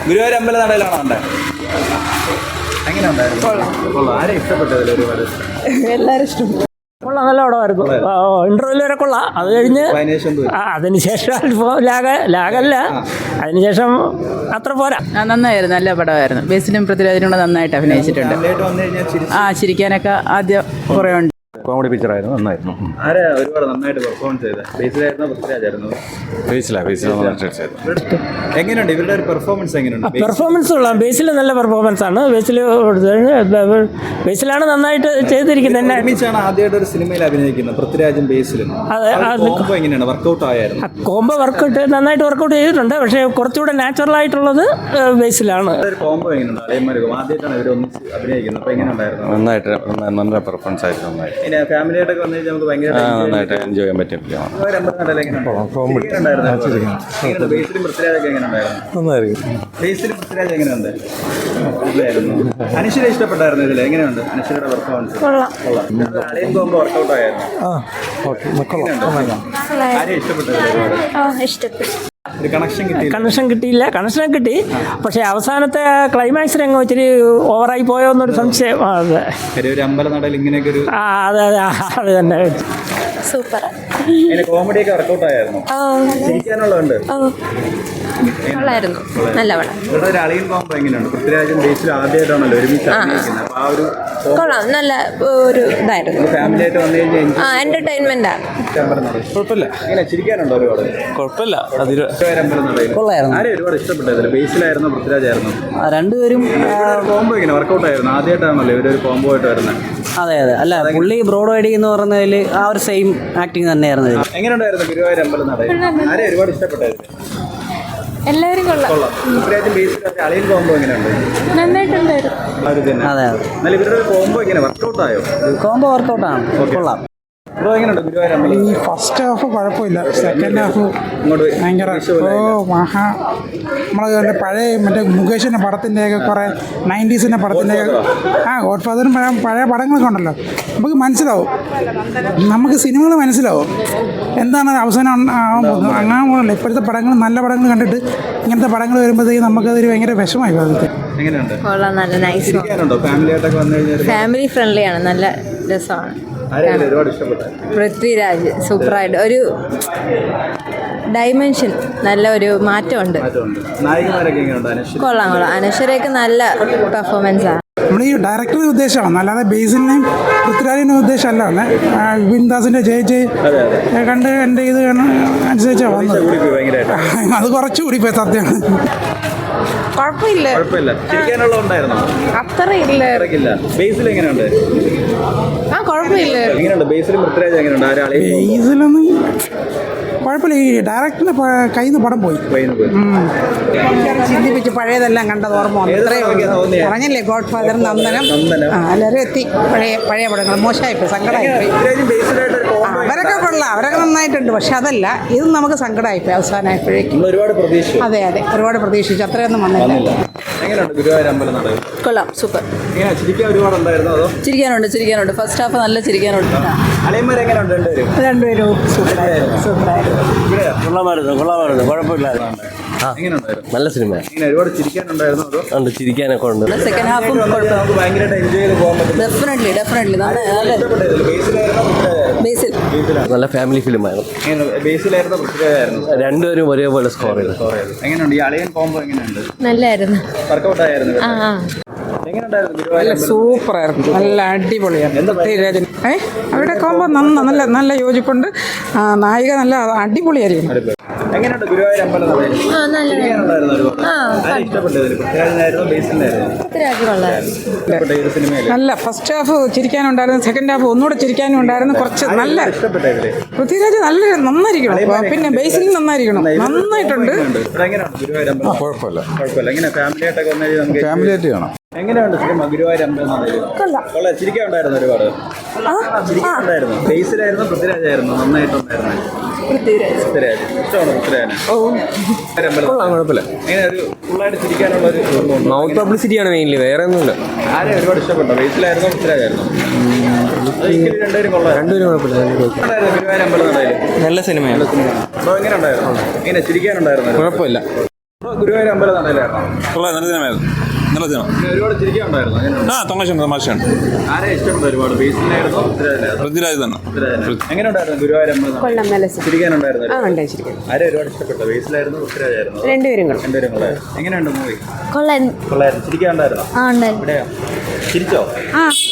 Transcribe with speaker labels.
Speaker 1: ഗുരുവായൂർ അമ്പലനടയിലാണോ കണ്ടേ? എങ്ങനെയുണ്ടായിരുന്നു? കൊള്ളാം. ആരെ ഇഷ്ടപ്പെട്ടതിൽ ഒരുപാട്?
Speaker 2: എല്ലാവരും ഇഷ്ടപ്പെട്ടു. കൊള്ളാം, നല്ല പടമായിരുന്നു. ഇന്റർവ്യൂ വരെ കൊള്ളാം. അത് കഴിഞ്ഞ് അതിനുശേഷം അല്പം ലാഗല്ല, അതിനുശേഷം അത്ര പോരാ.
Speaker 3: നന്നായിരുന്നു, നല്ല പടമായിരുന്നു. ബേസിലും പൃഥ്വിരാജിനും കൂടെ നന്നായിട്ട് അഭിനയിച്ചിട്ടുണ്ട്. ചിരിക്കാനൊക്കെ ആദ്യം കുറേ ഉണ്ട്.
Speaker 4: കോമഡി പിക്ചറായിരുന്നു, നന്നായിരുന്നു.
Speaker 1: ആരാ ഒരുപാട് നന്നായിട്ട് പെർഫോമൻസ് ചെയ്തത്? ബേസിലായിരുന്നോ പൃഥ്വിരാജായിരുന്നോ? എങ്ങനെയുണ്ട് ഇവരുടെ ഒരു പെർഫോമൻസ്? എങ്ങനെയുണ്ട്
Speaker 2: പെർഫോമൻസ്? കൊള്ളാം. ബേസിൽ നല്ല പെർഫോമൻസ് ആണ്. ബേസിലാണ് നന്നായിട്ട് ചെയ്തിരിക്കുന്നത്.
Speaker 1: ഒരുമിച്ചാണ് ആദ്യമായിട്ട് ഒരു സിനിമയിൽ അഭിനയിക്കുന്നത് പൃഥ്വിരാജും ബേസിലും. കോംബോ എങ്ങനെയാണ്? വർക്കൗട്ട് ആയിരുന്നു?
Speaker 2: കോംബോ നന്നായിട്ട് വർക്കൗട്ട് ചെയ്തിട്ടുണ്ട്. പക്ഷേ കുറച്ചുകൂടെ നാച്ചുറൽ ആയിട്ടുള്ളത് ബേസിലാണ്.
Speaker 1: കോംബോ എങ്ങനെയുണ്ട്? അളിയന്മാരും ആദ്യമായിട്ടാണ് ഇവർ ഒന്നിച്ച് അഭിനയിക്കുന്നത്. അപ്പോൾ എങ്ങനെയുണ്ടായിരുന്നു?
Speaker 4: നന്നായിട്ട് നല്ല പെർഫോമൻസ് ആയിരുന്നു. നന്നായിട്ട്
Speaker 1: ഫാമിലിയായിട്ടൊക്കെ വന്നു കഴിഞ്ഞാൽ നമുക്ക് ഭയങ്കര
Speaker 4: നന്നായിട്ട് എൻജോയ് ചെയ്യാൻ പറ്റും.
Speaker 1: അനശ്വര ഇഷ്ടപ്പെട്ടായിരുന്നു ഇതിൽ? എങ്ങനെയുണ്ട് അനശ്വരയുടെ പെർഫോമൻസ്? വർക്കൗട്ട് ആയിരുന്നു. ആരെയും ഇഷ്ടപ്പെട്ടത്?
Speaker 2: കണക്ഷൻ കിട്ടിയില്ല. കണക്ഷൻ കിട്ടി, പക്ഷേ അവസാനത്തെ ക്ലൈമാക്സ് രംഗം ഇച്ചിരി ഓവറായി പോയോ എന്നൊരു സംശയം.
Speaker 1: ഒരു അമ്പലനടയിൽ ഇങ്ങനെയൊക്കെ ഒരു
Speaker 2: അതെ അത് തന്നെ.
Speaker 5: സൂപ്പർ.
Speaker 1: കോമഡിയൊക്കെ വർക്കൗട്ട് ആയിരുന്നു. ചിരിക്കാനുള്ളതുണ്ട്.
Speaker 5: നല്ല പടം.
Speaker 1: ഇവിടെ ഒരു അളിയൻ കോംബോ എങ്ങനെയുണ്ട്? പൃഥ്വിരാജും ബേസിലും ആദ്യമായിട്ടാണല്ലോ ഒരുമിച്ച് അഭിനയിക്കുന്നത്. അപ്പോൾ ആ ഒരു
Speaker 5: കൊള്ളാം, നല്ല ഒരു ഇതായിരുന്നു.
Speaker 1: ഫാമിലി ആയിട്ട് വന്നു കഴിഞ്ഞാൽ
Speaker 5: എന്റർടൈൻമെന്റ്.
Speaker 4: കുഴപ്പമില്ല.
Speaker 1: എങ്ങനെ ചിരിക്കാനുണ്ടോ? ഒരുപാട്
Speaker 4: കുഴപ്പമില്ല.
Speaker 1: ആരെയും ഒരുപാട് ഇഷ്ടപ്പെട്ടതില്ല? ബേസിലായിരുന്നോ പൃഥ്വിരാജായിരുന്നോ?
Speaker 6: രണ്ടുപേരും
Speaker 1: കോംബോ ഇങ്ങനെ വർക്കൗട്ട് ആയിരുന്നു. ആദ്യമായിട്ടാണല്ലോ ഇവരൊരു കോംബോ ആയിട്ട് വരുന്നത്.
Speaker 6: അതെ അല്ല, പുള്ളി ബ്രോഡ് ഐഡി എന്ന് പറഞ്ഞതിൽ ആ ഒരു സെയിം ആക്ടിങ് തന്നെയായിരുന്നു.
Speaker 1: എങ്ങനെയുണ്ടായിരുന്നു ഗുരുവായൂർ അമ്പലനടയിൽ? ആരെയും ഒരുപാട് ഇഷ്ടപ്പെട്ടായിരുന്നു?
Speaker 5: എല്ലാവരും കൊള്ളാം.
Speaker 1: പൃഥ്വിരാജും ബേസിലും അളിയൻ കോംബോ എങ്ങനെയുണ്ട്?
Speaker 5: നന്നായിട്ടുണ്ടായിരുന്നു.
Speaker 6: അതെ
Speaker 1: എന്നാൽ ഇവരുടെ കോംബോ എങ്ങനെ വർക്കൗട്ട് ആയോ?
Speaker 6: കോംബോ വർക്കൗട്ടാണ്, കൊള്ളാം.
Speaker 1: എങ്ങനെയുണ്ട് ഗുരുവായൂർ അമ്പലം?
Speaker 7: ഈ ഫസ്റ്റ് ഹാഫ് കുഴപ്പമില്ല, സെക്കൻഡ് ഹാഫ് ഭയങ്കര നമ്മളെ പഴയ മറ്റേ മുകേഷിൻ്റെ പടത്തിൻ്റെയൊക്കെ കുറേ 90s പടത്തിൻ്റെയൊക്കെ ഗോഡ് ഫാദറും പഴയ പടങ്ങളൊക്കെ ഉണ്ടല്ലോ, നമുക്ക് മനസ്സിലാവും. നമുക്ക് സിനിമകൾ മനസ്സിലാവും എന്താണ് അവസാനം ആവാൻ പോകുന്നത്. അങ്ങനെ പോകണല്ലോ. ഇപ്പോഴത്തെ പടങ്ങൾ, നല്ല പടങ്ങൾ കണ്ടിട്ട് ഇങ്ങനത്തെ പടങ്ങൾ വരുമ്പോഴത്തേക്ക് നമുക്കതൊരു ഭയങ്കര വിഷമമായി പോകുന്നത്.
Speaker 5: ഫാമിലി ഫ്രണ്ട്ലിയാണ്, നല്ല രസമാണ്. പൃഥ്വിരാജ് സൂപ്പറായിട്ട് ഒരു ഡൈമെൻഷൻ, നല്ല ഒരു മാറ്റമുണ്ട്. കൊള്ളാം. അനശ്വരയൊക്കെ നല്ല പെർഫോമൻസ് ആണ്.
Speaker 7: നമ്മൾ ഈ ഡയറക്ടറുടെ ഉദ്ദേശമാണ്, അല്ലാതെ ബേസിലിനെയും പൃഥ്വിരാജിൻ്റെ ഉദ്ദേശമല്ല. വിൻദാസിൻ്റെ ജയ് കണ്ട് എൻ്റെ ഇത് അനുസരിച്ചാണ് വന്നത്. അത് കുറച്ചുകൂടി പോയി, സത്യമാണ്.
Speaker 5: കുഴപ്പമില്ല.
Speaker 7: അത്ര
Speaker 5: ഇല്ല.
Speaker 1: ബേസിൽ എങ്ങനെയുണ്ട്?
Speaker 5: കുഴപ്പമില്ല.
Speaker 1: എങ്ങനെയുണ്ട് ബേസിലും പൃഥ്വിരാജ് എങ്ങനെയുണ്ട്?
Speaker 7: ബേസിലൊന്നും കുഴപ്പമില്ല. ഈ ഡയറക്ടറിന്റെ കയ്യിൽ നിന്ന് പടം പോയി ചിന്തിപ്പിച്ച് പഴയതെല്ലാം കണ്ടത് ഓർമ്മ വന്നു. പറഞ്ഞില്ലേ ഗോഡ് ഫാദർ, നന്ദനം, എല്ലാവരും എത്തി. പഴയ പടങ്ങൾ മോശമായിപ്പോയി, സങ്കടമായിപ്പോയി. അവരൊക്കെ കൊള്ളാം, അവരൊക്കെ നന്നായിട്ടുണ്ട്. പക്ഷെ അതല്ല, ഇത് നമുക്ക് സങ്കടമായിപ്പോയി അവസാനമായപ്പോഴേക്കും. അതെ ഒരുപാട് പ്രതീക്ഷിച്ചു, അത്രയൊന്നും വന്നില്ല.
Speaker 5: കൊള്ളാം, സൂപ്പർ.
Speaker 3: ചിരിക്കാനുണ്ട്. ഫസ്റ്റ് ഹാഫ് നല്ല ചിരിക്കാനുണ്ട്.
Speaker 5: രണ്ടുപേരും സൂപ്പറായിരുന്നു.
Speaker 4: കൊള്ളാമായിരുന്നു, കുഴപ്പമില്ലായിരുന്നു. നല്ല സിനിമ.
Speaker 1: ഒരുപാട് ചിരിക്കാനുണ്ടായിരുന്നു.
Speaker 4: ചിരിക്കാനൊക്കെ ഉണ്ട്.
Speaker 3: സെക്കൻഡ് ഹാഫും ഡെഫിനറ്റ്ലി
Speaker 4: നല്ല ഫാമിലി ഫിലിമായിരുന്നു. രണ്ടുപേരും ഒരേപോലെ സ്കോർ ചെയ്തു.
Speaker 1: എങ്ങനെയുണ്ട് ഈ അളിയൻ കോംബോ? എങ്ങനെയുണ്ട്?
Speaker 5: നല്ലായിരുന്നു.
Speaker 1: വർക്കൗട്ട് ആയിരുന്നു.
Speaker 7: നല്ല സൂപ്പറായിരുന്നു, നല്ല അടിപൊളിയായിരുന്നു. പൃഥ്വിരാജൻ അവരുടെ കോമ്പോ നല്ല യോജിപ്പുണ്ട്. നായിക നല്ല അടിപൊളിയായിരിക്കും.
Speaker 1: എങ്ങനെയുണ്ട് ഗുരുവായൂർ അമ്പലനടയിൽ?
Speaker 7: നല്ല ഫസ്റ്റ് ഹാഫ് ചിരിക്കാനുണ്ടായിരുന്നു, സെക്കൻഡ് ഹാഫ് ഒന്നുകൂടെ ചിരിക്കാനും ഉണ്ടായിരുന്നു. കുറച്ച് നല്ല പൃഥ്വിരാജ് നന്നായിരിക്കണം. പിന്നെ ബേസിൽ നന്നായിരിക്കണം, നന്നായിട്ടുണ്ട്.
Speaker 4: കുഴപ്പമില്ല.
Speaker 1: ഫാമിലിയായിട്ട് കാണാം. എങ്ങനെയുണ്ട് സിനിമ ഗുരുവായൂർ അമ്പലനടയിൽ? ചിരിക്കാനുണ്ടായിരുന്നു, ഒരുപാട് ചിരിക്കാനുണ്ടായിരുന്നു. ബേസിലായിരുന്നു പൃഥ്വിരാജായിരുന്നു? നന്നായിട്ടുണ്ടായിരുന്നു. പൃഥ്വിരാജ് ഇഷ്ടമാണ്.
Speaker 4: കുഴപ്പമില്ല.
Speaker 1: എങ്ങനെ ഒരു ഫുള്ളായിട്ട് ചിരിക്കാനുള്ള ഒരു
Speaker 4: മൗത്ത് പബ്ലിസിറ്റിയാണ് മെയിൻലി, വേറെ ഒന്നുമില്ല.
Speaker 1: ആരെയും ഒരുപാട് ഇഷ്ടപ്പെട്ടോ? ബേസിലായിരുന്നോ പൃഥ്വിരാജായിരുന്നോ? രണ്ടുപേരും കുഴപ്പമില്ല. ഗുരുവായൂർ അമ്പലനടയിൽ
Speaker 4: നല്ല സിനിമയാണ്.
Speaker 1: എങ്ങനെ ഉണ്ടായിരുന്നു? എങ്ങനെ ചിരിക്കാനുണ്ടായിരുന്നു?
Speaker 4: കുഴപ്പമില്ല.
Speaker 1: ഗുരുവായൂർ അമ്പലം നടയിലായിരുന്നു
Speaker 8: കൊള്ളാം, നല്ല ദിനമായിരുന്നു, നല്ല ദിനം.
Speaker 1: ഒരുപാട് ചിരിക്കാനുണ്ടായിരുന്നു. എങ്ങനെയുണ്ട്?
Speaker 8: തമാശയുണ്ട്, തമാശയുണ്ട്.
Speaker 1: ആരെ ഇഷ്ടപ്പെട്ടു ഒരുപാട്? ബേസിലായിരുന്നോ പൃഥ്വിരാജിലായിരുന്നോ?
Speaker 8: പൃഥ്വിരാജ് തന്നെ.
Speaker 1: എങ്ങനെയുണ്ടായിരുന്നു ഗുരുവായൂർ അമ്പലം നട?
Speaker 5: കൊള്ളാം, നല്ല സുഖം.
Speaker 1: ചിരിക്കാനുണ്ടായിരുന്നു.
Speaker 5: ആ, ഉണ്ട്, ശരിക്കും.
Speaker 1: ആരെ ഒരുപാട് ഇഷ്ടപ്പെട്ടു? ബേസിലായിരുന്നു പൃഥ്വിരാജായിരുന്നു?
Speaker 5: രണ്ടുപേരും കൊള്ളാം.
Speaker 1: രണ്ടുപേരും കൂടെ. എങ്ങനെയുണ്ട് മൂവി?
Speaker 5: കൊള്ളായിരുന്നു.
Speaker 1: കൊള്ളായിരുന്നു. ചിരിക്കാനുണ്ടായിരുന്നോ?
Speaker 5: ആ, ഉണ്ടായിരുന്നു.
Speaker 1: എവിടെയാ ചിരിച്ചോ?
Speaker 5: ആ